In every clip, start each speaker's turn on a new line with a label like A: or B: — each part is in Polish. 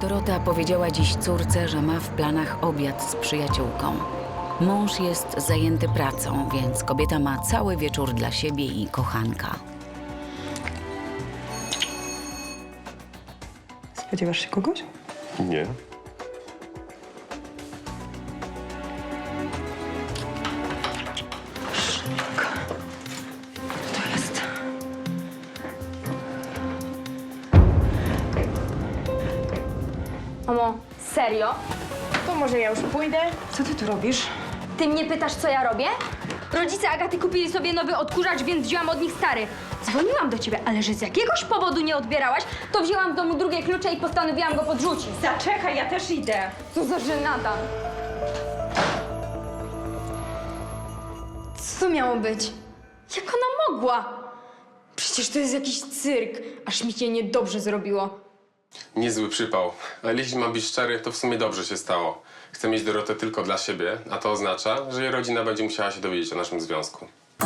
A: Dorota powiedziała dziś córce, że ma w planach obiad z przyjaciółką. Mąż jest zajęty pracą, więc kobieta ma cały wieczór dla siebie i kochanka.
B: Spodziewasz się kogoś?
C: Nie.
B: To jest.
D: Mamo, serio?
E: To może ja już pójdę?
B: Co ty tu robisz?
D: Ty mnie pytasz, co ja robię? Rodzice Agaty kupili sobie nowy odkurzacz, więc wzięłam od nich stary. Dzwoniłam do ciebie, ale że z jakiegoś powodu nie odbierałaś, to wzięłam w domu drugie klucze i postanowiłam go podrzucić.
E: Zaczekaj, ja też idę.
D: Co za żenada. Co to miało być? Jak ona mogła? Przecież to jest jakiś cyrk. Aż mi się niedobrze zrobiło.
C: Niezły przypał. Ale jeśli mam być szczery, to w sumie dobrze się stało. Chcę mieć Dorotę tylko dla siebie, a to oznacza, że jej rodzina będzie musiała się dowiedzieć o naszym związku.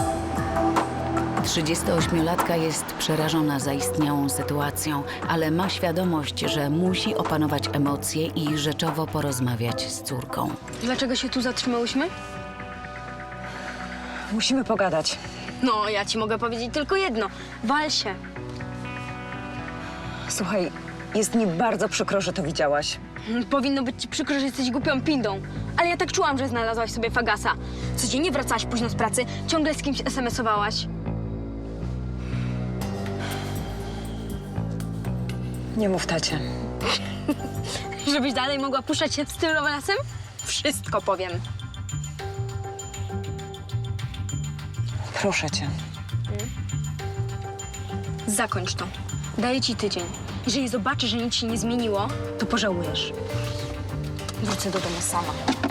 A: 38-latka jest przerażona zaistniałą sytuacją, ale ma świadomość, że musi opanować emocje i rzeczowo porozmawiać z córką.
D: Dlaczego się tu zatrzymałyśmy?
B: Musimy pogadać.
D: No, ja ci mogę powiedzieć tylko jedno. Wal się.
B: Słuchaj, jest mi bardzo przykro, że to widziałaś.
D: Powinno być ci przykro, że jesteś głupią pindą. Ale ja tak czułam, że znalazłaś sobie fagasa. Codziennie wracałaś późno z pracy, ciągle z kimś SMS-owałaś.
B: Nie mów tacie.
D: Żebyś dalej mogła puszczać się z tym romansem? Wszystko powiem.
B: Proszę cię.
D: Zakończ to. Daję ci tydzień. Jeżeli zobaczysz, że nic się nie zmieniło, to pożałujesz. Wrócę do domu sama.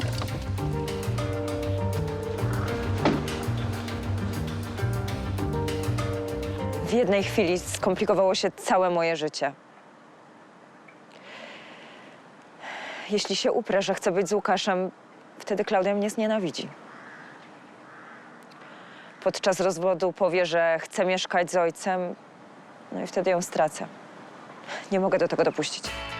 B: W jednej chwili skomplikowało się całe moje życie. Jeśli się uprę, że chcę być z Łukaszem, wtedy Klaudia mnie znienawidzi. Podczas rozwodu powie, że chce mieszkać z ojcem, no i wtedy ją stracę. Nie mogę do tego dopuścić.